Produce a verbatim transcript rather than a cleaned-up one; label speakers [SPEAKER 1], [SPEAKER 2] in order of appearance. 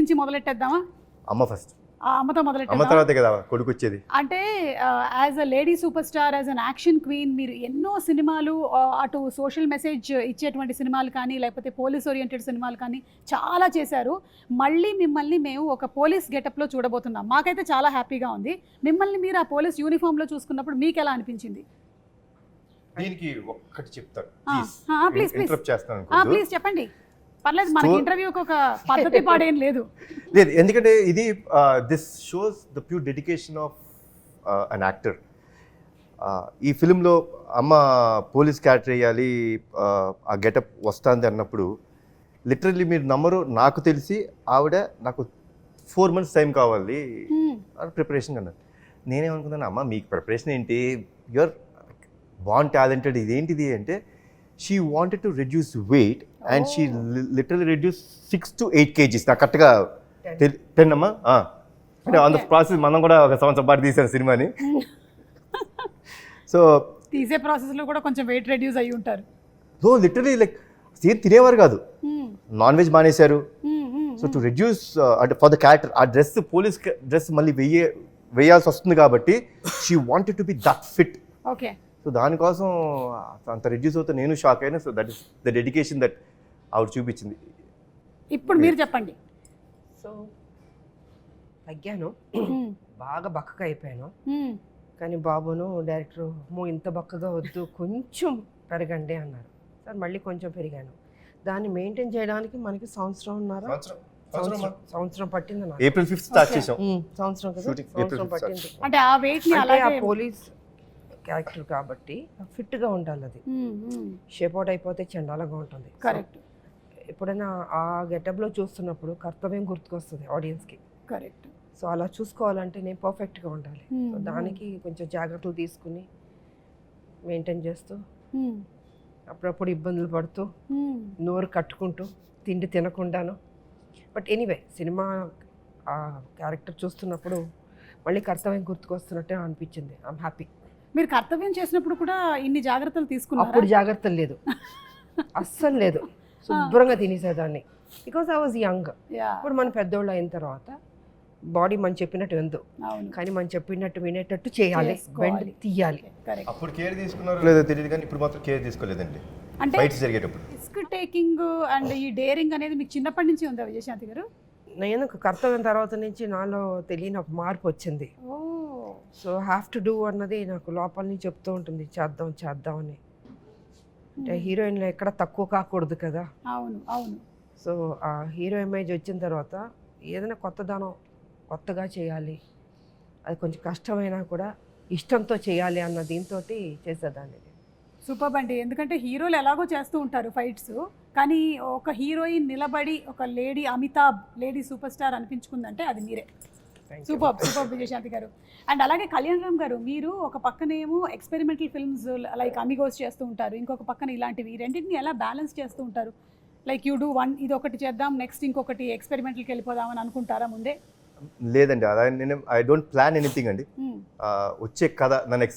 [SPEAKER 1] నుంచి మొదలెట్టేద్దామా?
[SPEAKER 2] అమ్మ ఫస్ట్,
[SPEAKER 1] ఆ అమ్మతో
[SPEAKER 2] అమ్మ
[SPEAKER 1] మొదలెట్టేద్దాం.
[SPEAKER 2] తర్వాతే కదా కొడుకు వచ్చేది.
[SPEAKER 1] అంటే as a lady super star, as an action queen, మీరు ఎన్నో సినిమాలు ఆ, అటు సోషల్ మెసేజ్ ఇచ్చేటువంటి సినిమాలు కానీ లేకపోతే పోలీస్ ఓరియంటెడ్ సినిమాలు కానీ చాలా చేశారు. మళ్ళీ మిమ్మల్ని మేము ఒక పోలీస్ గెటప్లో చూడబోతున్నాం. మాకైతే చాలా హ్యాపీగా ఉంది. మిమ్మల్ని మీరు ఆ పోలీస్ యూనిఫామ్లో చూసుకున్నప్పుడు మీకు ఎలా అనిపించింది?
[SPEAKER 2] దీనికి ఒక్కటి చెప్తాను,
[SPEAKER 1] ప్లీజ్ ప్లీజ్
[SPEAKER 2] ఇంటరప్ట్ చేస్తాను.
[SPEAKER 1] ప్లీజ్ చెప్పండి, పర్లేదు. మనకి ఇంటర్వ్యూకి ఒక పద్ధతి పాడేం లేదు.
[SPEAKER 2] లేదు, ఎందుకంటే ఇది this shows the pure dedication of an actor. ఈ ఫిలింలో అమ్మ పోలీస్ క్యారెక్టర్ వేయాలి, ఆ గెటప్ వస్తుంది అన్నప్పుడు లిటరల్లీ మీరు నమ్మరు, నాకు తెలిసి ఆవిడ నాకు ఫోర్ మంత్స్ టైం కావాలి ప్రిపరేషన్ అన్నారు. నేనేమనుకున్నాను, అమ్మ మీకు ప్రిపరేషన్ ఏంటి, యువర్ బాన్ టాలెంటెడ్, ఇదేంటిది అంటే she wanted to reduce weight and she literally reduce six to eight kgs. నాకు కరెక్ట్గా టెన్ అమ్మా, అంటే ఆన్ ద ప్రాసెస్ మనం కూడా ఒక సంవత్సరం పాటు తీసాను సినిమాని. సో
[SPEAKER 1] తీసే ప్రాసెస్లో కూడా కొంచెం వెయిట్ రెడ్యూస్ అయ్యి ఉంటారు.
[SPEAKER 2] సో లిటరలీ లైక్ సేమ్ తినేవారు కాదు, నాన్ వెజ్ మానేశారు. సో టు రెడ్యూస్ అంటే ఫర్ ద క్యారెక్టర్, ఆ డ్రెస్ పోలీస్ డ్రెస్ మళ్ళీ వెయ్యే వేయాల్సి వస్తుంది కాబట్టి she wanted to be that fit.
[SPEAKER 1] Okay.
[SPEAKER 2] So దానికోసం అంత రెడ్యూస్ అవుతే నేను షాక్ అయినా. So that is the dedication that ఆవిడ చూపించింది.
[SPEAKER 1] ఇప్పుడు మీరు చెప్పండి.
[SPEAKER 3] సో తగ్గాను, బాగా బక్కగా అయిపోయాను. కానీ బాబును డైరెక్టర్ మో ఇంత బక్కగా వద్దు, కొంచెం పెరగండి అన్నారు. సార్ మళ్ళీ కొంచెం పెరిగాను. దాన్ని మెయింటైన్ చేయడానికి మనకి సంవత్సరం ఉన్నారా, సంవత్సరం పట్టింది నాకు.
[SPEAKER 2] ఏప్రిల్ ఫిఫ్త్ స్టార్ట్ చేసాం
[SPEAKER 3] సంవత్సరం కదా, సంవత్సరం పట్టింది.
[SPEAKER 1] అంటే ఆ వెయిట్ ని
[SPEAKER 3] అంటే ఆ
[SPEAKER 1] అలాగే
[SPEAKER 3] పోలీస్ క్యారెక్టర్ కాబట్టి ఫిట్గా ఉండాలి. అది షేప్ అవుట్ అయిపోతే చండాలంగా ఉంటుంది.
[SPEAKER 1] కరెక్ట్.
[SPEAKER 3] ఎప్పుడైనా ఆ గెటప్లో చూస్తున్నప్పుడు కర్తవ్యం గుర్తుకొస్తుంది ఆడియన్స్కి.
[SPEAKER 1] కరెక్ట్.
[SPEAKER 3] సో అలా చూసుకోవాలంటే నేను పర్ఫెక్ట్గా ఉండాలి. సో దానికి కొంచెం జాగ్రత్తలు తీసుకుని మెయింటైన్ చేస్తూ అప్పుడప్పుడు ఇబ్బందులు పడుతూ నోరు కట్టుకుంటూ తిండి తినకుండాను. బట్ ఎనీవే సినిమా ఆ క్యారెక్టర్ చూస్తున్నప్పుడు మళ్ళీ కర్తవ్యం గుర్తుకొస్తున్నట్టే అనిపించింది. I'm happy.
[SPEAKER 1] మీరు కర్తవ్యం చేసినప్పుడు కూడా ఇన్ని జాగ్రత్తలు తీసుకున్నారు?
[SPEAKER 3] అప్పుడు జాగ్రత్తలు లేదు, అస్సలు లేదు. శుభ్రంగా తినేసేదాన్ని, బికాస్ ఐ వాజ్ యంగ్. ఇప్పుడు మనం పెద్దోళ్ళు అయిన తర్వాత బాడీ మనం చెప్పినట్టు విందు, కానీ మనం చెప్పినట్టు వినేటట్టు చేయాలి, బెండ్ తీయాలి.
[SPEAKER 2] అప్పుడు కేర్ తీసుకున్నారో లేదో తెలియదు, కానీ ఇప్పుడు మాత్రం కేర్ తీసుకోలేదండి.
[SPEAKER 1] అంటే
[SPEAKER 2] ఫైట్స్ జరిగేటప్పుడు
[SPEAKER 1] రిస్క్ టేకింగ్ అండ్ ఈ డేరింగ్ అనేది మీకు చిన్నప్పటి నుంచి ఉందా విజయశాంతి గారు?
[SPEAKER 3] నేను కర్తవ్యం తర్వాత నుంచి నాలో తెలియని ఒక మార్పు వచ్చింది. సో హ్యావ్ టు డూ అన్నది నాకు లోపల నుంచి చెప్తూ ఉంటుంది, చేద్దాం చేద్దాం అని. అంటే హీరోయిన్లో ఎక్కడ తక్కువ కాకూడదు కదా.
[SPEAKER 1] అవును అవును.
[SPEAKER 3] సో ఆ హీరో ఇమేజ్ వచ్చిన తర్వాత ఏదైనా కొత్తదనం కొత్తగా చేయాలి, అది కొంచెం కష్టమైనా కూడా ఇష్టంతో చేయాలి అన్న దీంతో చేసేదాన్ని.
[SPEAKER 1] సూపర్ అండి. ఎందుకంటే హీరోలు ఎలాగో చేస్తూ ఉంటారు ఫైట్స్, కానీ ఒక హీరోయిన్ నిలబడి ఒక lady Amitabh, lady super star అనిపించుకుందంటే అది మీరే. సూపర్ సూపర్ విజయశాంతి గారు. అండ్ అలాగే కళ్యాణ్ రామ్ గారు, మీరు ఒక పక్కనేమో ఎక్స్పెరిమెంటల్ ఫిల్మ్స్ లైక్ అమిగోస్ చేస్తూ ఉంటారు, ఇంకొక పక్కన ఇలాంటివి, రెండింటిని ఎలా బ్యాలెన్స్ చేస్తూ ఉంటారు? లైక్ యూ డూ వన్, ఇది ఒకటి చేద్దాం, నెక్స్ట్ ఇంకొకటి ఎక్స్పెరిమెంటల్కి వెళ్ళిపోదామని అనుకుంటారా ముందే?
[SPEAKER 2] లేదండి, అలా నేను ఐ డోంట్ ప్లాన్ ఎనీథింగ్ అండి. వచ్చే కథ నన్ను